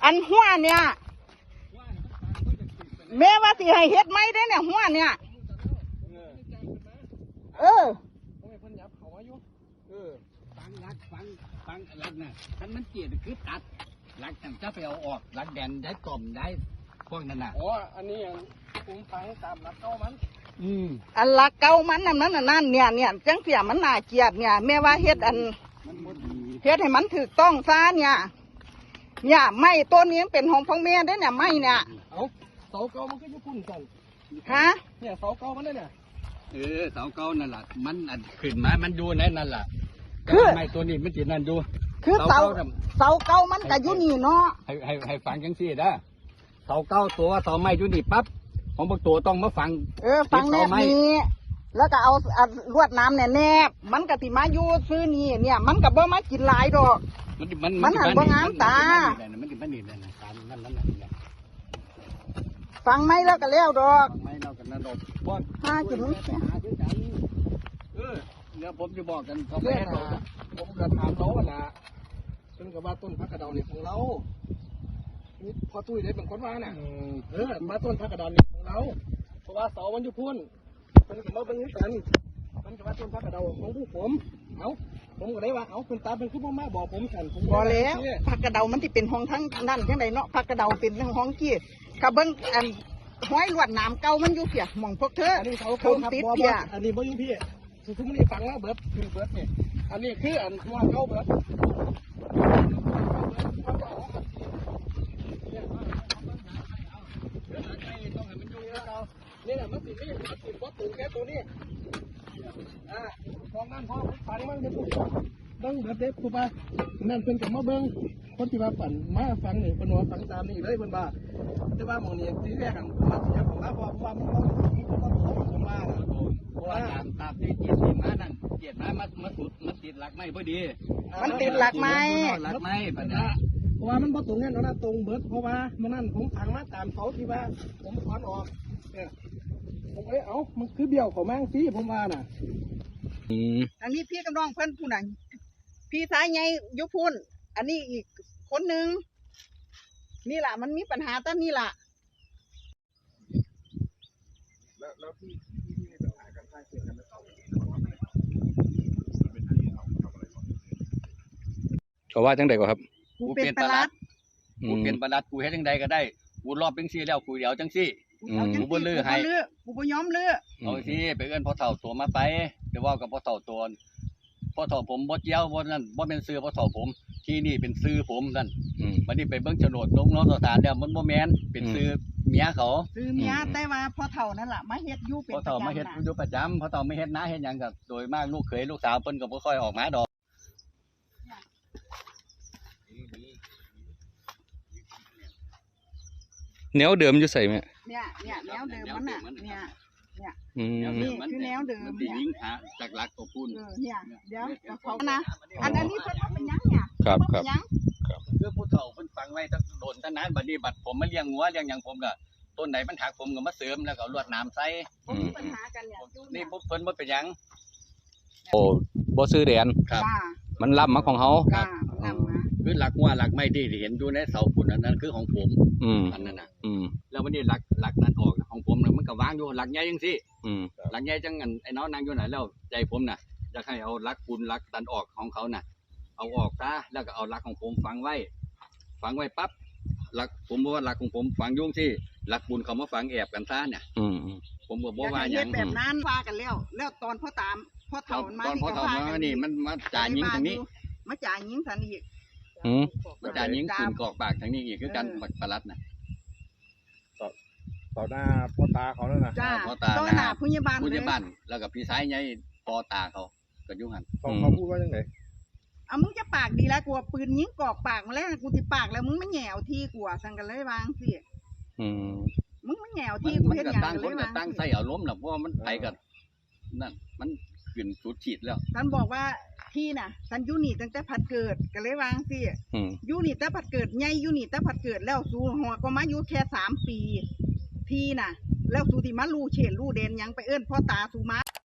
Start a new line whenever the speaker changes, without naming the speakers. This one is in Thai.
อันหัวเนี่ยแม่ว่าสิให้เฮ็ดไหมได้เนี่ยหัวเนี่ยเออ
ฟังรักนะท่านมันเกลียดคือตัดรักจะไปเอาออกรักแดนได้กล่อมได้พวกนั้นน่ะ
อ๋ออันนี้ผมฟังตามรักเก้ามัน
อันละเก่ามันนั่นเนี่ยจังเสียมันน่าเกลียดเนี่ยแม่ว่าเฮ็ดอันเฮ็ดให้มันถูกต้องซะเนี่ยไม่ตัวนี้เป็นของพ่อแม่ได้เนี่ยไม่เนี่ย
เอาเสาเก้ามันก็จะพุ่นกัน
ฮะ
เนี่ยเสาเก้ามันเนี่ย
เสาเก้านั่นแหละมันขึ้นมามันดูนั่นแหละไม่ตัวนี้มันจีนั่นดู
คือเสาเก่ามันก็อยู่นี่เนาะ
ให้ฟังจังซี่นะเสาเก้าตัวเสาไม้อยู่นี่ปั๊บของบางตัวต้องมาฟัง
ฟังแนบนี้แล้วก็เอาลวดน้ำแนบมันก็ติมาอยู่ซื้อนี่เนี่ยมันก็บ่มากินหลายดอกมันหันบ่งามตาฟังไหมแล้วก็แล้วดอก
ไม่เรากันนั่นดอก
ห้ากิน
เนี่ยผมจะบอกกันเขา
ไม่ให้เราผมก็ถามเขาว่านะเป็นกับว่าต้นพักกระดองนี่ของเรานี่พอตุ้ยได้เป็นคนว่าน่ะมาต้นพักกระดองนี่ของเราเพราะว่าเสามันอยู่พุ่นเป็นกับว่าเป็นนี้กันมันกับว่าต้นพักกระดองของผู้ผมก็ได้ว่าเป็นตาเป็นคู่มาบอกผมกันผม
บอกแล้วพักกระเดามันที่เป็นห้องทั้งนั่นจังไดเนาะพักกระเดาเป็นห้องกี้กระเบิ้งอันห้อยลวดน้ำเก่ามันอยู่เพียมองพวกเธอ
อันนี้เสาเก่าครับบออันนี้บ่อยู่พี่ทุกคนนี่ฟังแล้วเบิร์ดคือเบิร์ดเนี่ยอันนี้คืออันหัวเก่าเบิร์ดนี่แหละมันติดนี่มันติดวัตถุแค่ตัวนี้ตรงนั้นพอฟังมันจะถูกเบิ้งแบบเด็กถูกป่ะนั่นเป็นกับมาเบิ้งคนที่มาปั่นมาฟังหนึ่งเป็นหัวฟังตามนี่เลยเป็นบ่าแต่ว่าหมองนี่ที่แรกกันมาเสียของเราเพราะว่ามันต้องมา
ว่าตามที่เกียรติมานั่นเกียรติมาสุดมันติดหลักไม้พอดี
มันติดหลักไม้
ปัญญา
เพราะว่ามันพอตรงนี้เราตรงเบิร์ดเพราะว่ามันนั่นผมขังมาตามเขาที่ว่าผมถอนออกเนี่ยผมมันคือเบี้ยวของแมงซีผมว่าน่ะ
อันนี้พี่กับน้องเพื่อนผู้นั้นพี่สายไงยุพุนอันนี้อีกคนหนึ่งนี่แหละมันมีปัญหาตั้งนี่แหละ
แล้วพี่มีปัญหากันใช่เสียกันแล้ว
เขาว่าจังใดก็ครับ
กูเป็นประหลัด
กูเป็นประหลัดกูเฮ็ดจังใดก็ได้กูรอบจังซี่แล้วกูเดี๋ยวจังซี่กูบ่ลือให้
กูบ่ยอมลือ
เอาสิไปเอิ้นพ่อเฒ่าตัวมาไปเดี๋ยวว่ากับพ่อเฒ่าตัวพ่อเฒ่าผมบ่เกี่ยวบ่นั่นบ่เป็นชื่อพ่อเฒ่าผมที่นี่เป็นชื่อผมนั่นบัดนี้ไปเบิ่งโฉนดลงสถานแล้วมันบ่แม่นเป็นชื่อเมียเขา
ชื่อเมียแต่ว่าพ่อเฒ่านั่นล่ะมาเฮ็ดอยู่เป็น
พ่อเฒ่ามาเฮ็ดอยู่ประจำพ่อเฒ่าไม่เฮ็ดนาเฮ็ดหยังก็โดยมากลูกเขยลูกสาวเพิ่นก็บ่ค่อยออกมาดอก
แนวเดิมอยู่ใส่ไหม
เนี่ยแนวเดิมมันน่ะเนี่ยนี่คือแนวเดิม
เนี่ยยิงหาจากหลักตัวพุ่น
เนี่ยเดี๋ยวเขานะอันนี้เพิ่นเป็นยังเนี่ย
ครับ
คือผู้เฒ่าเพิ่นฟังไว้ตั้งโดนตั้งนานบัดนี้บัดผมมาเลี้ยงงัวเลี้ยงหยังผมก็ต้นไหนมันหักผมก็มาเสริมแล้วก็ลวดน้ำใส่
มีปัญหากันเนี่ย
นี่เพิ่นบ่เป็นหยัง
โอ้บ่ซื้อแดนมันล้ำมาของเขา
คือหลักงัวหลักไม้ที่เห็นอยู่ในเสาพุ่นนั้นคือของผมอันนั้นน่ะแล้ววันนี้หลักนั้นออกของผมมันก็วางอยู่หลักใหญ่จังซี่หลักใหญ่จังงั้นไอ้น้องนั่งอยู่ไหนแล้วใจผมน่ะอยากให้เอาหลักปูนหลักตันออกของเขาน่ะเอาออกซะแล้วก็เอาหลักของผมฝังไว้ปั๊บหลักผมบอกว่าหลักของผมฝังยุ่งที่หลักปูนเขามาฝังแอบกันซะเนี่ยผมก็บอกว่าอย่าง
แบบนั้นว่ากันแล้วตอนพ่อเฒ่ามา
ตอนพ่อเฒ่ามานี่มันมาจ่ายิงทางนี้
มาจ่ายิงทางนี้
มาจ่ายิงปืนกอกปากทางนี้อีกคือกันประหลัดน่ะ
ต่อหน้าพ่อตาเขาแล้วนะ
พ่อตา
ต่อหน้าผู้ใหญ่บ้าน
แล้วกับพี่ชายใหญ่พ่อตาเขาก็ยุ่งหัน
เขาพูดว่ายังไง
มึงจะปากดีแล้วกลัวปืนยิงกอกปากมาแล้วกูติปากแล้วมึงไม่แหวที่กลัวสั่งกันเลยวางสิมึงไม่แหวที่กูเห็นอย่าง
เลยว่าตั้งใส่เอาล้มหรอกเพราะมันไปกันนั่นมันขึ้นสุดขีดแล้ว
ท่านบอกว่าที่น่ะท่านยูนี่ตั้งแต่ผัดเกิดกันเลยวางสิยูนี่แต่ผัดเกิดใหญ่ยูนี่แต่ผัดเกิดแล้วสู่หัวก็มาอยู่แค่3 ปีที่น่ะแล้วสู่ที่มาลู่เฉนลู่เด่นยังไปเอิ้นพ่อตาสู่มา